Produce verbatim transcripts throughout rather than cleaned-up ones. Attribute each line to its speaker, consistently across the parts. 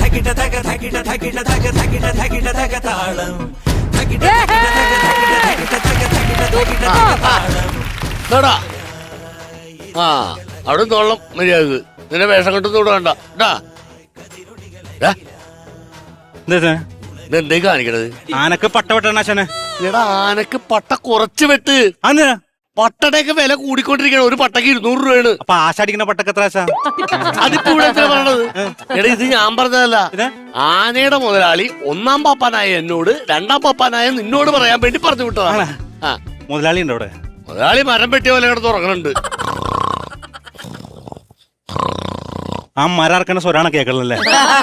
Speaker 1: തകിട തക തകിട തകിട തക തകിട തകിട തക താളം തകിട തകിട തകിട തകിട തകിട
Speaker 2: താളം. ആ അവിടെ തോളം മര്യാദ നിന്നെ വേഷം കെട്ടൊന്നും ഇവിടെ വേണ്ട ഇതെന്തേ കാണിക്കണത്?
Speaker 3: ആനക്ക് പട്ട വെട്ടണാശനെ.
Speaker 2: എടാ ആനക്ക് പട്ട കുറച്ച് വെട്ട്.
Speaker 3: അന്ന്
Speaker 2: പട്ടടയൊക്കെ വില കൂടിക്കൊണ്ടിരിക്കണം. ഒരു പട്ടക്ക് ഇരുന്നൂറ് രൂപയാണ്.
Speaker 3: അപ്പൊ ആശാടിക്കുന്ന പട്ടക്ക് എത്ര ആശ?
Speaker 2: അതിപ്പോ ഇവിടെ എത്ര പറയണത്? എടാ ഇത് ഞാൻ പറഞ്ഞതല്ല. ആനയുടെ മുതലാളി ഒന്നാം പാപ്പാനായ എന്നോട് രണ്ടാം പാപ്പാനായ നിന്നോട് പറയാൻ വേണ്ടി പറഞ്ഞു വിട്ടതാണ്. ആ
Speaker 3: മുതലാളി ഉണ്ടോ അവിടെ?
Speaker 2: മുതലാളി മരം വെട്ടിയ പോലെ കിടന്ന് ഉറങ്ങണുണ്ട്.
Speaker 3: ആ മരർക്കണ സ്വരാണ് കേക്കണല്ലേ?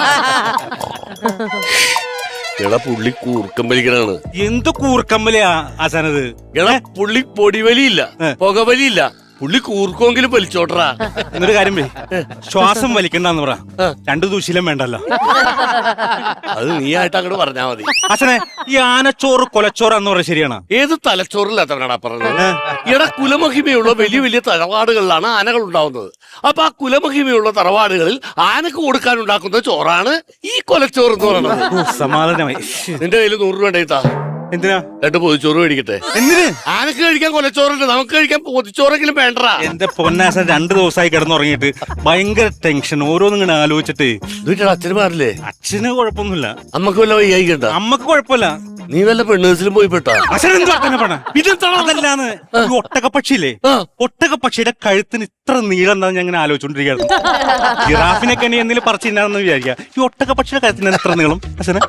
Speaker 2: എടാ പുള്ളി കൂർക്കമ്പലിക്കണാണ്.
Speaker 3: എന്ത് കൂർക്കമ്പലിയാ ആശാനത്?
Speaker 2: എടാ പുള്ളി പൊടിവലിയില്ല, പുകവലിയില്ല, പുള്ളി കൂർക്കെങ്കിലും വലിച്ചോട്ടറാ.
Speaker 3: എന്നൊരു കാര്യം പോയി ശ്വാസം വലിക്കണ്ടെന്ന് പറ. രണ്ടു ദൂശീലം വേണ്ടല്ലോ.
Speaker 2: അത് നീ ആയിട്ട് അങ്ങോട്ട് പറഞ്ഞാ മതി.
Speaker 3: ആശാനെ ഈ ആനച്ചോറ് കൊലച്ചോറാന്ന് പറഞ്ഞ ശരിയാണ്?
Speaker 2: ഏത് തലച്ചോറില്ലാത്തവനാടാ പറഞ്ഞത്? എടാ കുലമഹിമയുള്ള വലിയ വലിയ തറവാടുകളിലാണ് ആനകൾ ഉണ്ടാവുന്നത്. അപ്പൊ ആ കുലമഹിമയുള്ള തറവാടുകളിൽ ആനക്ക് കൊടുക്കാൻ ഉണ്ടാക്കുന്ന ചോറാണ് ഈ കൊലച്ചോറ് എന്ന് പറയുന്നത്.
Speaker 3: സമാധാനമായി.
Speaker 2: നിന്റെ കയ്യിൽ നൂറ് രൂപ ഉണ്ടായിട്ടാ.
Speaker 3: എന്തിനാ?
Speaker 2: രണ്ട് പൊതിച്ചോറ് മേടിക്കട്ടെ.
Speaker 3: എന്തിന്?
Speaker 2: ആനക്ക് കഴിക്കാൻ കൊലച്ചോറുണ്ട്, നമുക്ക് കഴിക്കാൻ പൊതിച്ചോറെങ്കിലും വേണ്ടടാ.
Speaker 3: എന്റെ പൊന്നാശൻ രണ്ടു ദിവസമായി കിടന്നുറങ്ങിയിട്ട് ഭയങ്കര ടെൻഷൻ. ഓരോന്നും ഇങ്ങനെ ആലോചിച്ചിട്ട്.
Speaker 2: വീട്ടിൽ അച്ഛന് മാറില്ലേ?
Speaker 3: അച്ഛന് കുഴപ്പമൊന്നുമില്ല.
Speaker 2: അമ്മക്ക് വല്ല വയ്യായിക്കണ്ട?
Speaker 3: അമ്മക്ക് കുഴപ്പമില്ല.
Speaker 2: നീ വല്ല പെണ്ണേഴ്സിലും പോയി പെട്ടാ?
Speaker 3: അതല്ലാന്ന് ഒട്ടകപ്പക്ഷിയില്ലേ, ഒട്ടകപ്പക്ഷിയുടെ കഴുത്തിന് ഇത്ര നീളം എന്താന്ന് ഞാൻ ഇങ്ങനെ ആലോചിച്ചോണ്ടിരിക്കുന്നു. ജിറാഫിനൊക്കെ ഇനി എന്തെങ്കിലും പറിച്ചു തിന്നാന്ന് വിചാരിക്കുക. ഈ ഒട്ടകപ്പക്ഷിയുടെ കഴുത്തിന് എത്ര നീളം?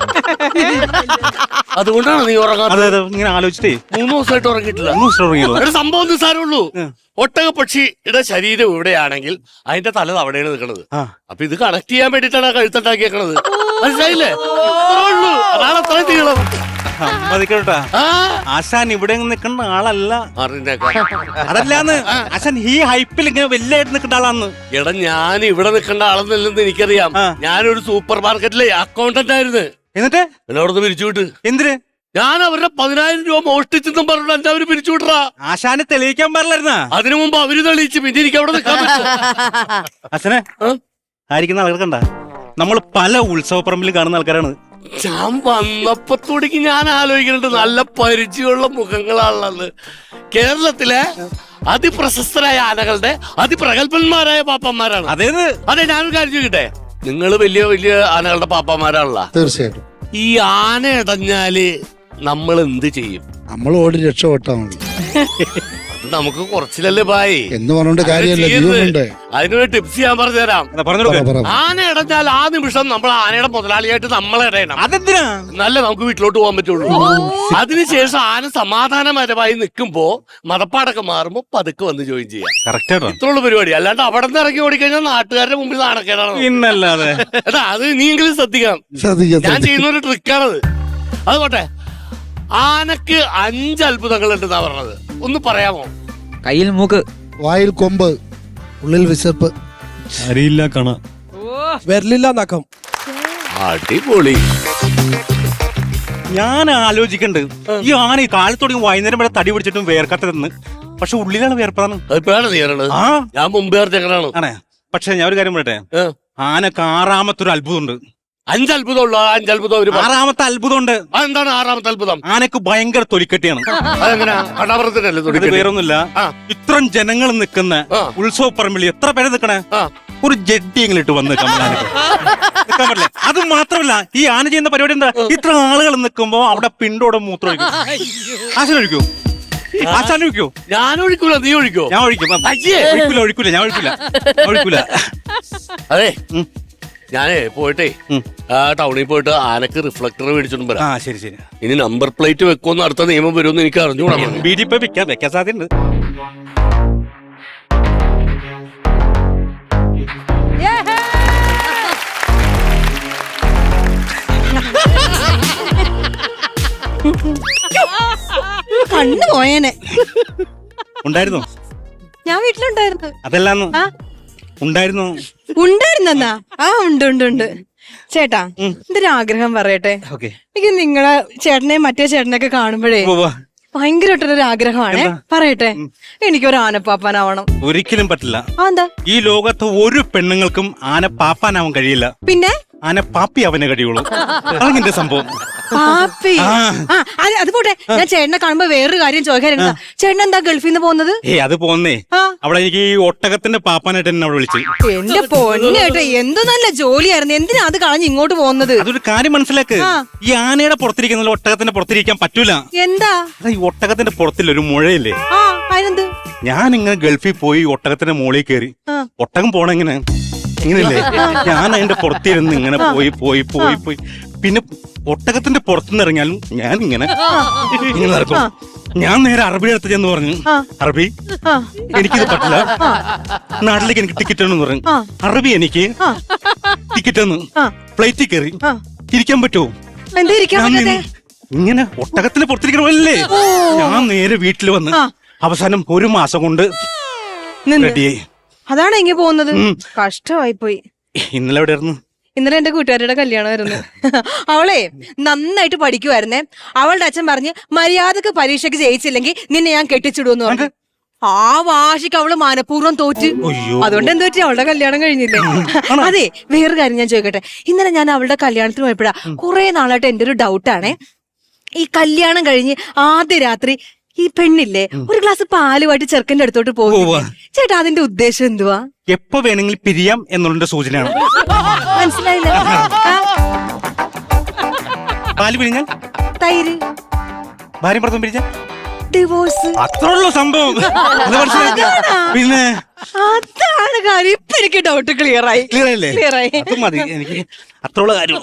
Speaker 2: അതുകൊണ്ടാണ് നീ ഉറങ്ങാൻ?
Speaker 3: അതെ അതെ, ഇങ്ങനെ ആലോചിച്ചിട്ടേ
Speaker 2: മൂന്ന് ദിവസമായിട്ട് ഉറങ്ങിയിട്ടില്ല.
Speaker 3: മൂന്ന് ദിവസം ഉറങ്ങിയില്ല.
Speaker 2: ഒരു സംഭവം നിസ്സാരമുള്ളൂ. ഒട്ടകപ്പക്ഷിയുടെ ശരീരം ഇവിടെയാണെങ്കിൽ അതിന്റെ തല അവിടെയാണ് നിൽക്കുന്നത്. അപ്പൊ ഇത് കണക്ട് ചെയ്യാൻ വേണ്ടിട്ടാണ് കഴുത്തുണ്ടാക്കിയേക്കണത്. മനസ്സിലായില്ലേ? അതാണ് അത്ര നീളം.
Speaker 3: മതിക്കട്ടാ, ആശാൻ ഇവിടെ നിൽക്കുന്ന ആളല്ല. അതല്ലാന്ന് ആശാൻ ഈ ഹൈപ്പിൽ ഇങ്ങനെ വലിയായിട്ട് നിൽക്കേണ്ട ആളാന്ന്.
Speaker 2: എടാ ഞാൻ ഇവിടെ നിൽക്കേണ്ട ആളെന്നല്ലെന്ന് എനിക്കറിയാം. ഞാനൊരു സൂപ്പർ മാർക്കറ്റിലെ അക്കൗണ്ടന്റ് ആയിരുന്നു.
Speaker 3: എന്നിട്ട്
Speaker 2: എന്നെ അവിടെ നിന്ന് പിരിച്ചുവിട്ട്.
Speaker 3: എന്തിന്?
Speaker 2: ഞാൻ അവരുടെ പതിനായിരം രൂപ മോഷ്ടിച്ചെന്നും പറഞ്ഞു എന്റെ അവര് പിരിച്ചുവിട്ടാ.
Speaker 3: ആശാനെ തെളിയിക്കാൻ പാടില്ലായിരുന്ന?
Speaker 2: അതിനു മുമ്പ് അവര് തെളിയിച്ച്. പിന്നെ എനിക്ക് അവിടെ നിൽക്കാൻ പറ്റും.
Speaker 3: ആശാനെ ആയിരിക്കുന്ന ആൾക്കാർ കണ്ട നമ്മൾ പല ഉത്സവ പറമ്പിലും കാണുന്ന ആൾക്കാരാണ്.
Speaker 2: ഞാൻ വന്നപ്പത്തോടേക്ക് ഞാൻ ആലോചിക്കുന്നുണ്ട് നല്ല പരിചയമുള്ള മുഖങ്ങളാണുള്ളത്. കേരളത്തിലെ അതിപ്രശസ്തരായ ആനകളുടെ അതിപ്രഗത്ഭന്മാരായ പാപ്പന്മാരാണ്.
Speaker 3: അതേത്?
Speaker 2: അതെ, ഞാനൊരു കാര്യം ചോദിക്കട്ടെ, നിങ്ങൾ വലിയ വലിയ ആനകളുടെ പാപ്പന്മാരാണല്ലോ.
Speaker 4: തീർച്ചയായിട്ടും.
Speaker 2: ഈ ആന ഇടഞ്ഞാല് നമ്മൾ എന്ത് ചെയ്യും?
Speaker 4: നമ്മൾ ഓടി രക്ഷപ്പെട്ടാ മതി.
Speaker 2: നമുക്ക് കുറച്ചിലല്ലേ ബായി
Speaker 4: എന്ന് പറഞ്ഞോണ്ട് കാര്യമല്ല.
Speaker 2: അതിനൊരു ടിപ്സ് ഞാൻ പറഞ്ഞുതരാം. ആന ഇടഞ്ഞാൽ ആ നിമിഷം നമ്മൾ ആനയുടെ മുതലാളിയായിട്ട് നമ്മൾ ഇടയണം.
Speaker 3: അതെന്തിനാ?
Speaker 2: നല്ല നമുക്ക് വീട്ടിലോട്ട് പോകാൻ പറ്റുള്ളൂ. അതിനുശേഷം ആന സമാധാനപരമായി നിൽക്കുമ്പോ മതപ്പാടൊക്കെ മാറുമ്പോ പതുക്കെ വന്ന് ജോയിൻ ചെയ്യാം. ഇത്രയുള്ള പരിപാടി. അല്ലാണ്ട് അവിടെ നിന്ന് ഇറങ്ങി ഓടിക്കഴിഞ്ഞാൽ നാട്ടുകാരുടെ മുമ്പിൽ നാണക്കേടാണ്.
Speaker 3: പിന്നല്ലാതെ.
Speaker 2: എടാ അത് നീയെങ്കിലും ശ്രദ്ധിക്കണം. ഞാൻ ചെയ്യുന്ന ഒരു ട്രിക്കാണത്. അതുകൊട്ടെ, ആനക്ക് അഞ്ച് അത്ഭുതങ്ങൾ ഉണ്ടെന്നാ പറഞ്ഞത്. ഒന്ന് പറയാമോ?
Speaker 5: കയ്യിൽ മൂക്ക്,
Speaker 4: വായിൽ കൊമ്പ്, ഉള്ളിൽ വിശപ്പ്,
Speaker 3: അറിയില്ല കാണ,
Speaker 6: വരലില്ല നഖം.
Speaker 2: അടിപൊളി.
Speaker 3: ഞാൻ ആലോചിക്കണ്ട്, ഈ ആന ഈ കാലത്തോടെയും വൈകുന്നേരം വരെ തടി പിടിച്ചിട്ടും വേർക്കത്തതെന്ന്. പക്ഷെ ഉള്ളിലാണ് വേർപ്പതാണ്.
Speaker 2: ആ ഞാൻ മുമ്പേ
Speaker 3: ആണേ. പക്ഷെ ഞാൻ ഒരു കാര്യം പറയട്ടെ, ആനക്ക് ആറാമത്തൊരു അത്ഭുതമുണ്ട്.
Speaker 2: അഞ്ചത്ഭുതമുള്ളൂ. അഞ്ചത്ഭുതം.
Speaker 3: ആറാമത്തെ അത്ഭുതമുണ്ട്.
Speaker 2: അതെന്താണ് ആറാമത്തെ അത്ഭുതം?
Speaker 3: ആനക്ക് ഭയങ്കര തൊലിക്കെട്ടിയാണ്.
Speaker 2: അതെങ്ങനെ?
Speaker 3: വേറൊന്നുമില്ല, ഇത്രയും ജനങ്ങൾ നിൽക്കുന്ന ഉത്സവ പറമ്പിൽ എത്ര പേര് നിൽക്കണേ, ഒരു ജഡ്ഡിയെങ്കിലും ഇട്ട് വന്ന് നിൽക്കാൻ പറ്റില്ല. അത് മാത്രമല്ല, ഈ ആന ചെയ്യുന്ന പരിപാടി എന്താ, ഇത്ര ആളുകൾ നിൽക്കുമ്പോ അവിടെ പിണ്ടോടെ മൂത്രം ഒഴിക്കും. ആശാൻ ഒഴിക്കൂ? ആശാൻ ഒഴിക്കോ?
Speaker 2: ഞാൻ ഒഴിക്കൂല. നീ ഒഴിക്കോ?
Speaker 3: ഞാൻ ഒഴിക്കും. ഒഴിക്കൂല ഒഴിക്കൂല ഞാൻ ഒഴിക്കൂല ഒഴിക്കൂല
Speaker 2: അതെ, ഞാനേ പോയിട്ടേ ടൗണിൽ പോയിട്ട് ആനക്ക് റിഫ്ലക്ടർ മേടിച്ചോണ്ട് വരാം.
Speaker 3: ആ ശരി ശരി.
Speaker 2: ഇനി നമ്പർ പ്ലേറ്റ് വെക്കുമെന്ന് അടുത്ത നിയമം വരുമെന്ന് എനിക്ക് അറിഞ്ഞൂടാ.
Speaker 3: ബീഡി ഇപ്പൊ വെക്കാൻ വെക്കാൻ സാധ്യതയുണ്ട്.
Speaker 7: കണ്ണു പോയേനെ.
Speaker 3: ഉണ്ടായിരുന്നോ?
Speaker 7: ഞാൻ വീട്ടിലുണ്ടായിരുന്നു.
Speaker 3: അതല്ലാന്ന് ഉണ്ടായിരുന്നു.
Speaker 7: ഉണ്ടായിരുന്നാ? ആ ഉണ്ട് ഉണ്ട് ഉണ്ട്. ചേട്ടാ, എന്റെ ഒരു ആഗ്രഹം പറയട്ടെ. എനിക്ക് നിങ്ങളെ ചേട്ടനെയും മറ്റേ ചേട്ടനെയൊക്കെ കാണുമ്പോഴേ ഭയങ്കരമായിട്ടൊരു ആഗ്രഹമാണ്. പറയട്ടെ, എനിക്കൊരു ആനപ്പാപ്പാനാവണം.
Speaker 3: ഒരിക്കലും പറ്റില്ല.
Speaker 7: എന്താ?
Speaker 3: ഈ ലോകത്ത് ഒരു പെണ്ണുങ്ങൾക്കും ആനപ്പാപ്പാനാവാൻ കഴിയില്ല.
Speaker 7: പിന്നെ
Speaker 3: ആന പാപ്പി അവനെ കടിയോളും അതാണ് എന്റെ സംഭവം.
Speaker 7: പാപ്പി
Speaker 3: ആ.
Speaker 7: ആ അത് അത് പോട്ടെ, ഞാൻ ചേട്ടനെ കാണുമ്പോ വേറൊരു കാര്യം ചോദിക്കാറുണ്ട്. ചേട്ടൻ എന്താ ഗൾഫിൽ നിന്ന് പോകുന്നത്?
Speaker 3: ഏ അത് പോന്നേ
Speaker 7: ആ.
Speaker 3: അവിടെ എനിക്ക് ഈ ഒട്ടകത്തിന്റെ പാപ്പാനായിട്ട് എന്നെ അവിടെ വിളിച്ചു.
Speaker 7: എന്റെ പൊന്നേട്ടെ, എന്ത് നല്ല ജോലിയായിരുന്നു. എന്തിനാ അത് കളഞ്ഞ് ഇങ്ങോട്ട് പോകുന്നത്?
Speaker 3: അതൊരു കാര്യം മനസ്സിലാക്ക്.
Speaker 7: ആ.
Speaker 3: ഈ ആനയുടെ പുറത്തിരിക്കുന്ന ഒട്ടകത്തിന്റെ പുറത്തിരിക്കാൻ പറ്റൂല.
Speaker 7: എന്താ?
Speaker 3: അതാ ഈ ഒട്ടകത്തിന്റെ പുറത്തില്ല ഒരു മുഴയില്ലേ,
Speaker 7: ആ അതിനെന്ത്?
Speaker 3: ഞാൻ ഇങ്ങനെ ഗൾഫിൽ പോയി ഒട്ടകത്തിന്റെ മുകളിൽ കയറി.
Speaker 7: ആ.
Speaker 3: ഒട്ടകം പോണ എങ്ങനെ ഇങ്ങനെയല്ലേ, ഞാൻ അതിന്റെ പുറത്തിരുന്ന് ഇങ്ങനെ പോയി പോയി പോയി പോയി പിന്നെ ഒട്ടകത്തിന്റെ പുറത്തുനിന്ന് ഇറങ്ങിയാലും ഞാൻ ഇങ്ങനെ ഇങ്ങനെ നടക്കും. ഞാൻ നേരെ അറബിയുടെ അടുത്ത് ചെന്ന് പറഞ്ഞു, അറബി
Speaker 7: ആ.
Speaker 3: എനിക്കിത് പറ്റില്ല, നാട്ടിലേക്ക് എനിക്ക് ടിക്കറ്റ് എന്ന് പറഞ്ഞു.
Speaker 7: ആ.
Speaker 3: അറബി എനിക്ക് ടിക്കറ്റ് എന്ന്
Speaker 7: ആ.
Speaker 3: ഫ്ലൈറ്റിൽ കയറി
Speaker 7: ആ.
Speaker 3: ഇരിക്കാൻ പറ്റുമോ?
Speaker 7: എന്താ ഇരിക്കാൻ
Speaker 3: ഞാൻ
Speaker 7: പറ്റാത്തെ?
Speaker 3: നിന്ന് ഇങ്ങനെ ഒട്ടകത്തിന് പുറത്തിരിക്കണമല്ലേ. ഞാൻ നേരെ വീട്ടിൽ വന്ന്
Speaker 7: ആ.
Speaker 3: അവസാനം ഒരു മാസം കൊണ്ട്
Speaker 7: നിന്ന്.
Speaker 3: റെഡിയായി.
Speaker 7: അതാണ് ഇങ്ങനെ പോകുന്നത്.
Speaker 3: ഉം.
Speaker 7: കഷ്ടമായി പോയി.
Speaker 3: ഇന്നലെ എവിടെ ആയിരുന്നു?
Speaker 7: ഇന്നലെ എന്റെ കൂട്ടുകാരുടെ കല്യാണമായിരുന്നു. അവളെ നന്നായിട്ട് പഠിക്കുമായിരുന്നേ. അവളുടെ അച്ഛൻ പറഞ്ഞ് മര്യാദക്ക് പരീക്ഷയ്ക്ക് ജയിച്ചില്ലെങ്കിൽ നിന്നെ ഞാൻ കെട്ടിച്ചിടുമെന്ന് പറഞ്ഞു. ആ വാശിക്ക് അവള് മനഃപൂർവ്വം തോറ്റ്.
Speaker 3: അയ്യോ.
Speaker 7: അതുകൊണ്ട് എന്താ പറ്റി, അവളുടെ കല്യാണം കഴിഞ്ഞില്ലേ. അതെ, വേറൊരു കാര്യം ഞാൻ ചോദിക്കട്ടെ. ഇന്നലെ ഞാൻ അവളുടെ കല്യാണത്തിന് പോയപ്പോഴാ കുറെ നാളായിട്ട് എന്റെ ഒരു ഡൗട്ടാണേ. ഈ കല്യാണം കഴിഞ്ഞ് ആദ്യ രാത്രി ഈ പെണ്ണില്ലേ ഒരു ഗ്ലാസ് പാലുമായിട്ട് ചെറുക്കന്റെ അടുത്തോട്ട് പോകും. ചേട്ടാ അതിന്റെ ഉദ്ദേശം എന്തുവാ?
Speaker 3: എപ്പോ വേണമെങ്കിലും പിരിയാം എന്നുള്ള സൂചനയാണ്.
Speaker 7: മനസ്സിലായില്ല. ആ,
Speaker 3: പാല് പിരിഞ്ഞാൽ
Speaker 7: തൈര്
Speaker 3: ഭാര്യ ഭർത്താവ് പിരിഞ്ഞാൽ
Speaker 7: ഡിവോഴ്സ്.
Speaker 3: അത്രയുള്ള സംഭവം. അത് മനസ്സിലാക്കി. പിന്നെ
Speaker 7: അതാണ് കാര്യം. ഇപ്പൊ എനിക്ക് ഡൗട്ട് ക്ലിയർ ആയി.
Speaker 3: ക്ലിയർ അല്ലേ?
Speaker 7: ക്ലിയർ ആയി.
Speaker 3: അത് മതി എനിക്ക്, അത്രയുള്ള കാര്യം.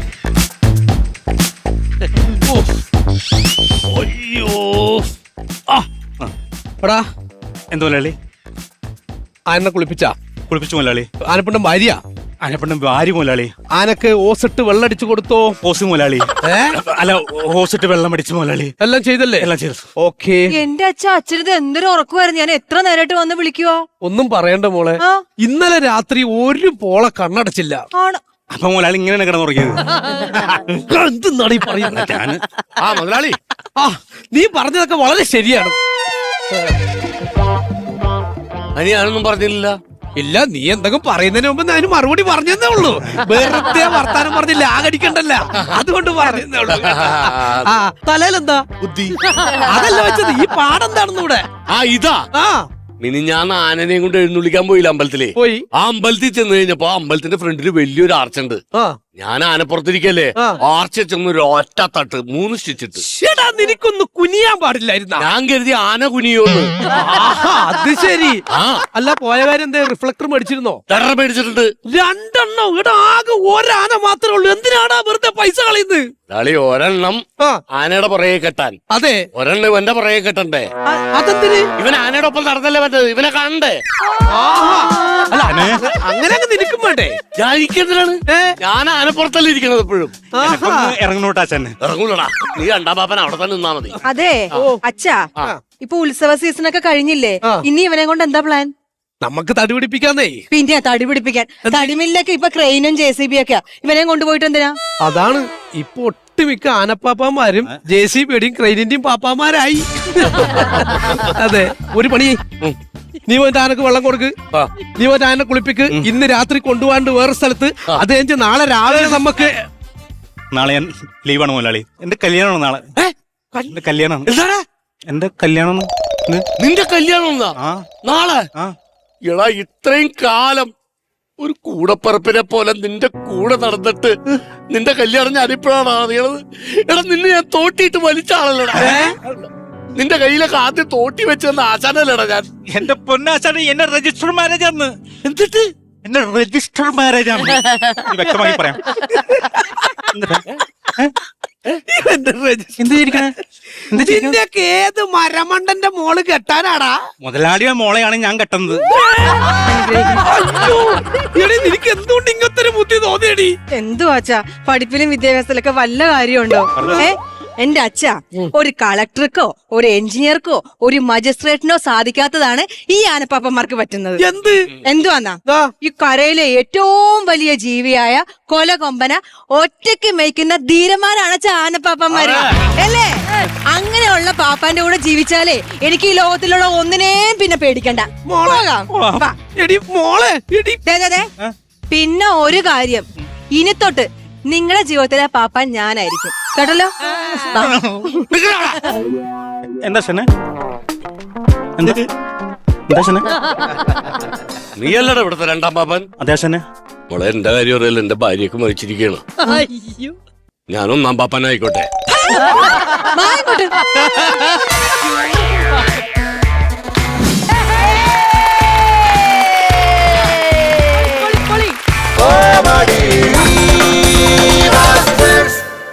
Speaker 2: അയ്യോ
Speaker 3: ആ,
Speaker 6: എടാ
Speaker 3: എന്താ മുതലാളി?
Speaker 6: ആനെ കുളിപ്പിച്ചാ?
Speaker 3: കുളിപ്പിച്ചു മുതലാളി.
Speaker 6: ആനപ്പിണ്ടം ഭാര്യ
Speaker 3: ആനപ്പെണ്ണം ഭാര്യ മുതലാളി.
Speaker 6: ആനക്ക് ഓസിട്ട് വെള്ളടിച്ചു കൊടുത്തോ?
Speaker 3: ഓസ് മുതലാളി.
Speaker 6: ഏ
Speaker 3: അല്ല, ഓസിട്ട് വെള്ളം അടിച്ചു മുതലാളി.
Speaker 6: എല്ലാം ചെയ്തല്ലേ?
Speaker 3: എല്ലാം ചെയ്തു.
Speaker 6: ഓക്കേ.
Speaker 7: എന്റെ അച്ഛ അച്ഛനത് എന്തൊരു ഉറക്കുമായിരുന്നു. ഞാൻ എത്ര നേരമായിട്ട് വന്ന് വിളിക്കുവാ.
Speaker 6: ഒന്നും പറയണ്ട മോളെ,
Speaker 7: ആ.
Speaker 6: ഇന്നലെ രാത്രി ഒരു പോളെ കണ്ണടച്ചില്ല.
Speaker 7: ആണ്.
Speaker 3: അപ്പൊ മുതലാളി ഇങ്ങനെയാണ് കിടന്നുറങ്ങിയത്.
Speaker 6: എന്തെന്നാണ് ഈ പറയുന്നത്?
Speaker 3: ഞാൻ
Speaker 2: ആ മുതലാളി,
Speaker 6: ആ നീ പറഞ്ഞതൊക്കെ വളരെ ശരിയാണ്.
Speaker 2: ഞാനൊന്നും പറഞ്ഞില്ല.
Speaker 6: ഇല്ല, നീ എന്തെങ്കിലും പറയുന്നതിന് മുമ്പ് ഞാൻ മറുപടി പറഞ്ഞതേ ഉള്ളൂ. വെറുതെ വർത്താനം പറഞ്ഞില്ല, ആകടിക്കണ്ടല്ല, അതുകൊണ്ട് പറഞ്ഞതേ ഉള്ളൂ. ആ തലയിലെന്താ
Speaker 2: ബുദ്ധി.
Speaker 6: അതല്ല വെച്ചത്, ഈ പാടെന്താണെന്ന് ഇവിടെ.
Speaker 2: ആ ഇതാ
Speaker 6: ആ
Speaker 2: മിനി ഞാൻ ആനനെയും കൊണ്ട് എഴുന്നള്ളിക്കാൻ പോയില്ല അമ്പലത്തിലെ.
Speaker 6: പോയി.
Speaker 2: ആ അമ്പലത്തിൽ ചെന്ന് കഴിഞ്ഞപ്പോ ആ അമ്പലത്തിന്റെ ഫ്രണ്ടിൽ വലിയൊരു ആർച്ചുണ്ട്.
Speaker 6: ആ
Speaker 2: ഞാൻ ആനപ്പുറത്തിരിക്കല്ലേ,
Speaker 6: ആ.
Speaker 2: ആർച്ച് ചെന്ന് ഒരു ഒറ്റ തട്ട് മൂന്ന് സ്റ്റിച്ചിട്ട്.
Speaker 6: ചേട്ടാ നിനക്കൊന്ന് കുനിയാൻ പാടില്ലായിരുന്ന?
Speaker 2: ഞാൻ കരുതി ആന കുനിയോന്ന്.
Speaker 6: അത് ശരി.
Speaker 2: ആ
Speaker 6: അല്ല, പോയ കാര്യം എന്താ, റിഫ്ലക്ടർ മേടിച്ചിരുന്നോ?
Speaker 2: ടെറർ മേടിച്ചിട്ടുണ്ട്.
Speaker 6: രണ്ടെണ്ണം. ഇവിടെ ആകെ ഒരാന മാത്രമേ ഉള്ളൂ. എന്തിനാടാ വെറുതെ പൈസ കളയുന്നത്?
Speaker 2: കളി ഒരെണ്ണം
Speaker 6: ആ
Speaker 2: ആനയുടെ പുറകെ കെട്ടാൻ,
Speaker 6: അതെ.
Speaker 2: ഒരെണ്ണം ഇവന്റെ പുറകെ കെട്ടണ്ടേ.
Speaker 6: അ- അതെന്തിന്?
Speaker 2: ഇവൻ ആനയുടെ ഒപ്പം നടന്നല്ലേ പറ്റത്, ഇവനെ കാണണ്ടേ.
Speaker 6: ആഹാ. അല്ല അങ്ങനെ അങ്ങ് നിനക്കും വേണ്ടേ?
Speaker 2: ഞാൻ ഇരിക്കുന്നതിനാണ്,
Speaker 6: ഏ?
Speaker 2: ഞാൻ ആനപ്പുറത്തല്ലേ ഇരിക്കണത് എപ്പോഴും.
Speaker 6: ആഹാ.
Speaker 3: ഇറങ്ങണോട്ടാ ചെന്നെ.
Speaker 2: ഇറങ്ങൂലടാ, നീ രണ്ടാം പാപ്പൻ അവിടെ തന്നെ നിന്നാ മതി.
Speaker 7: അതെ അച്ഛാ, ഇപ്പൊ ഉത്സവ സീസൺ ഒക്കെ കഴിഞ്ഞില്ലേ,
Speaker 6: ആ.
Speaker 7: ഇനി ഇവനെ കൊണ്ട് എന്താ പ്ലാൻ?
Speaker 6: നമുക്ക് തടി പിടിപ്പിക്കാന്നേ.
Speaker 7: പിന്നെ തടി പിടിപ്പിക്കാൻ തടിമില്ലൊക്കെ ഇപ്പൊ ക്രെയിനും ജെ സി ബി ഒക്കെ ഇവനെ കൊണ്ടുപോയിട്ട് എന്തിനാ?
Speaker 6: അതാണ് ഇപ്പൊ ഒട്ടുമിക്ക ആനപ്പാപ്പാമാരും ജെ സി ബിയുടെയും ക്രെയിനിന്റെയും പാപ്പാമാരായി. അതെ, ഒരു പണി ചെയ്യ്. നീ പോയിട്ട് ആനക്ക് വെള്ളം കൊടുക്ക്,
Speaker 2: ആ.
Speaker 6: നീ പോയിട്ട് ആനെ കുളിപ്പിക്ക്. ഇന്ന് രാത്രി കൊണ്ടുപോകാണ്ട് വേറെ സ്ഥലത്ത്, അത് കഴിഞ്ഞ് നാളെ രാവിലെ നമുക്ക്.
Speaker 3: നാളെ ഞാൻ ലീവാണ് മുതലാളി. എന്റെ കല്യാണമാണ് നാളെ. എന്റെ കല്യാണമാണ്.
Speaker 2: എന്താടാ
Speaker 3: എന്റെ കല്യാണം.
Speaker 2: നിന്റെ കല്യാണം എന്നാ?
Speaker 3: ആ
Speaker 2: നാളെ?
Speaker 3: ആ
Speaker 2: എടാ, ഇത്രയും കാലം ഒരു കൂടപ്പറപ്പിനെ പോലെ നിന്റെ കൂടെ നടന്നിട്ട് നിന്റെ കല്യാണം ഞാനിപ്പോഴാണ് അറിയണത്. എടാ, നിന്നെ ഞാൻ തോട്ടിയിട്ട് വലിച്ചാണല്ലോടാ. നിന്റെ കയ്യിലൊക്കെ ആദ്യം തോട്ടി വെച്ചെന്ന് ആശാനല്ലേടാ ഞാൻ.
Speaker 3: എന്റെ പൊന്നാശാണ് എന്നെ രജിസ്റ്റർ മാരേജ് ആണ്.
Speaker 2: എന്നിട്ട്
Speaker 3: എന്റെ രജിസ്റ്റർ മാരേജ് ആണ്. ഇത് വ്യക്തമായി പറയാം.
Speaker 6: നിന്റെയൊക്കെ ഏത് മരമണ്ടന്റെ മോള് കെട്ടാനാടാ?
Speaker 3: മുതലാളിയുടെ മോളെയാണ് ഞാൻ കെട്ടുന്നത്.
Speaker 6: അയ്യോ, എടീ, നിനക്ക് എന്തുകൊണ്ട് ഇങ്ങനത്തെ ഒരു ബുദ്ധി തോന്നിയടി?
Speaker 7: എന്തുവാ അച്ഛാ, പഠിപ്പിലും വിദ്യാഭ്യാസത്തിലൊക്കെ വല്ല കാര്യമുണ്ടോ? ഏ എന്റെ അച്ഛ ഒരു കളക്ടർക്കോ ഒരു എഞ്ചിനീയർക്കോ ഒരു മജിസ്ട്രേറ്റിനോ സാധിക്കാത്തതാണ് ഈ ആനപ്പാപ്പന്മാർക്ക് പറ്റുന്നത്.
Speaker 6: എന്ത്
Speaker 7: എന്തുവാന്നാ,
Speaker 6: ദാ.
Speaker 7: ഈ കരയിലെ ഏറ്റവും വലിയ ജീവിയായ കൊലകൊമ്പന ഒറ്റയ്ക്ക് മേയ്ക്കുന്ന ധീരന്മാരാണ് അച്ഛാ ആനപ്പാപ്പന്മാര്, അല്ലേ? അങ്ങനെയുള്ള പാപ്പാന്റെ കൂടെ ജീവിച്ചാലേ എനിക്ക് ഈ ലോകത്തിലുള്ള ഒന്നിനെയും പിന്നെ പേടിക്കണ്ട. പോകാം. വാ.
Speaker 6: എടി മോളെ, എടി
Speaker 7: ദേ, ദേ, ദേ. പിന്നെ ഒരു കാര്യം, ഇനി തൊട്ട് നിങ്ങളുടെ ജീവിതത്തിലെ പാപ്പാൻ ഞാനായിരിക്കും കേട്ടല്ലോ. വാ.
Speaker 3: എന്താ ശനെ എന്താ എന്താ ശനെ
Speaker 2: നീയല്ലടാ ഇവിടുത്തെ രണ്ടാം പാപ്പൻ.
Speaker 3: അതെ ശനെ.
Speaker 2: മോളെ എന്റെ കാര്യം അറിയില്ല, എന്റെ ഭാര്യയൊക്കെ മരിച്ചിരിക്കുകയാണ്.
Speaker 7: അയ്യോ.
Speaker 2: ഞാൻ ഒന്നാം പാപ്പനായിക്കോട്ടെ.
Speaker 7: വാ ഇങ്ങോട്ട്.